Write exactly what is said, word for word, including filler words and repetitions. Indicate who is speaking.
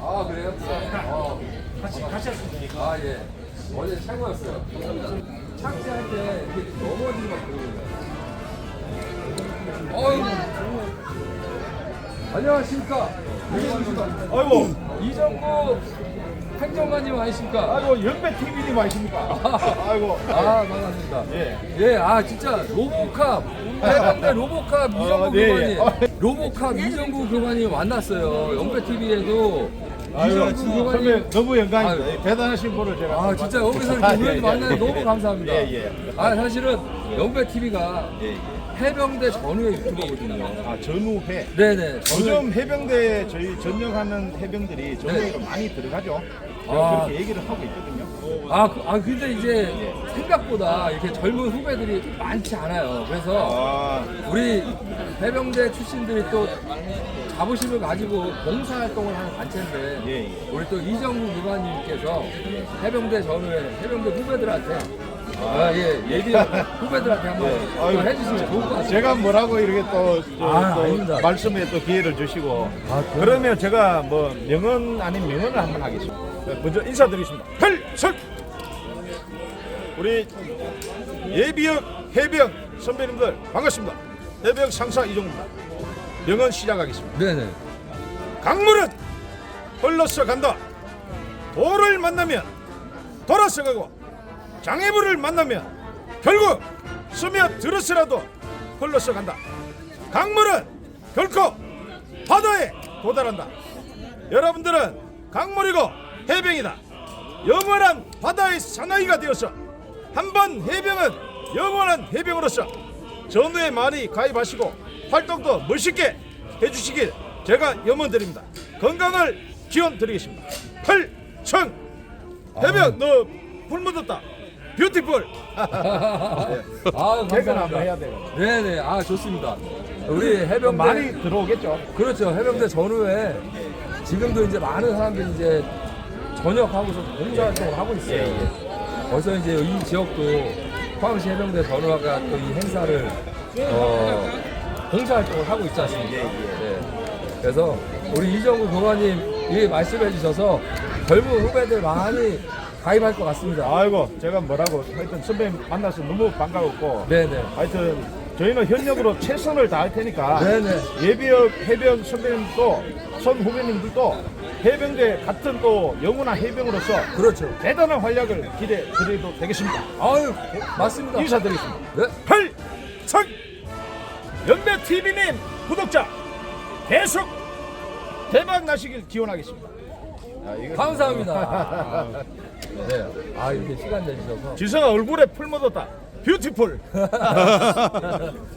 Speaker 1: 아 그래요? 어.
Speaker 2: 같이 같이 하시면 되니까.
Speaker 1: 아 예. 어제 최고였어요. 착지할 때 이렇게 넘어지고 막 그러거든요. 어이. 안녕하십니까.
Speaker 2: 아이고,
Speaker 1: 이정구 행정관님 아니십니까?
Speaker 2: 아이고 연배 티비님 아니십니까? 아이고,
Speaker 1: 아 반갑습니다.
Speaker 2: 예.
Speaker 1: 예, 아 진짜 로보캅 해병대 로보캅 이정구
Speaker 2: 아, 네,
Speaker 1: 교관님,
Speaker 2: 예.
Speaker 1: 로보캅 이정구 교관님 만났어요. 연배티비에도
Speaker 2: 아이고,
Speaker 1: 이정구 교관님.
Speaker 2: 선배 너무 영광입니다.
Speaker 1: 아유.
Speaker 2: 대단하신 분을 제가.
Speaker 1: 아 진짜 여기서
Speaker 2: 아,
Speaker 1: 이렇게
Speaker 2: 예,
Speaker 1: 우연히
Speaker 2: 예.
Speaker 1: 만나서 너무 감사합니다.
Speaker 2: 예, 예.
Speaker 1: 아 사실은 연배티비가
Speaker 2: 예, 예.
Speaker 1: 해병대 전후의 유튜버거든요.
Speaker 2: 아, 전후회.
Speaker 1: 네네. 전후의-
Speaker 2: 요즘 해병대 저희 전역하는 해병들이 전후회로 많이 들어가죠. 제가
Speaker 1: 아.
Speaker 2: 그렇게 얘기를 하고 있거든요.
Speaker 1: 아, 그- 아 근데 이제 생각보다 이렇게 젊은 후배들이 많지 않아요. 그래서
Speaker 2: 아,
Speaker 1: 우리 해병대 출신들이 또 자부심을 가지고 봉사활동을 하는 단체인데
Speaker 2: 예, 예.
Speaker 1: 우리 또 이정구 교관님께서 해병대 전후에 해병대 후배들한테 아, 예, 예비 후배들한테 한번
Speaker 2: 예.
Speaker 1: 또
Speaker 2: 아유,
Speaker 1: 해주시면 좋을 것 같아요.
Speaker 2: 제가 뭐라고 이렇게 또, 저,
Speaker 1: 아,
Speaker 2: 또
Speaker 1: 아닙니다.
Speaker 2: 말씀에 또 기회를 주시고
Speaker 1: 아, 그럼-
Speaker 2: 그러면 제가 뭐 명언 아닌 명언을 한번 하겠습니다. 먼저 인사드리겠습니다. 필승! 우리 예비역 해병 선배님들 반갑습니다. 해병 상사 이종입니다. 명언 시작하겠습니다.
Speaker 1: 네네.
Speaker 2: 강물은 흘러서 간다. 돌을 만나면 돌아서 가고 장애물을 만나면 결국 스며들어서라도 흘러서 간다. 강물은 결코 바다에 도달한다. 여러분들은 강물이고 해병이다. 영원한 바다의 사나이가 되어서 한번 해병은 영원한 해병으로서 전후에 많이 가입하시고 활동도 멋있게 해주시길 제가 염원드립니다. 건강을 기원드리겠습니다. 필승! 해병 너 풀 묻었다. 뷰티풀.
Speaker 1: 아,
Speaker 2: 개근 한번
Speaker 1: 감사합니다.
Speaker 2: 해야 돼요.
Speaker 1: 네네. 아, 좋습니다. 우리 해병대
Speaker 2: 많이 들어오겠죠.
Speaker 1: 그렇죠. 해병대 전후에 지금도 이제 많은 사람들이 이제 전역하고서 봉사활동을 하고 있어요.
Speaker 2: 예, 예.
Speaker 1: 벌써 이제 이 지역도 포항시 해병대 전후가 또 이 행사를 어, 봉사활동을 하고 있지 않습니까?
Speaker 2: 예, 예.
Speaker 1: 네. 그래서 우리 이정구 교관님 이 말씀해 주셔서 젊은 후배들 많이 가입할 것 같습니다.
Speaker 2: 아이고 제가 뭐라고 하여튼 선배님 만나서 너무 반가웠고
Speaker 1: 네네.
Speaker 2: 하여튼 저희는 현역으로 최선을 다할 테니까
Speaker 1: 네네.
Speaker 2: 예비역 해병 선배님도 선 후배님들도 해병대 같은 또 영원한 해병으로서
Speaker 1: 그렇죠.
Speaker 2: 대단한 활약을 기대 드려도 되겠습니다.
Speaker 1: 아유, 맞습니다.
Speaker 2: 인사드리겠습니다.
Speaker 1: 네.
Speaker 2: 필승! 연배 티비님 구독자 계속 대박 나시길 기원하겠습니다. 야, 이거
Speaker 1: 감사합니다. 아, 네. 아, 이렇게 시간 내주셔서.
Speaker 2: 지성아 얼굴에 풀 묻었다. 뷰티풀.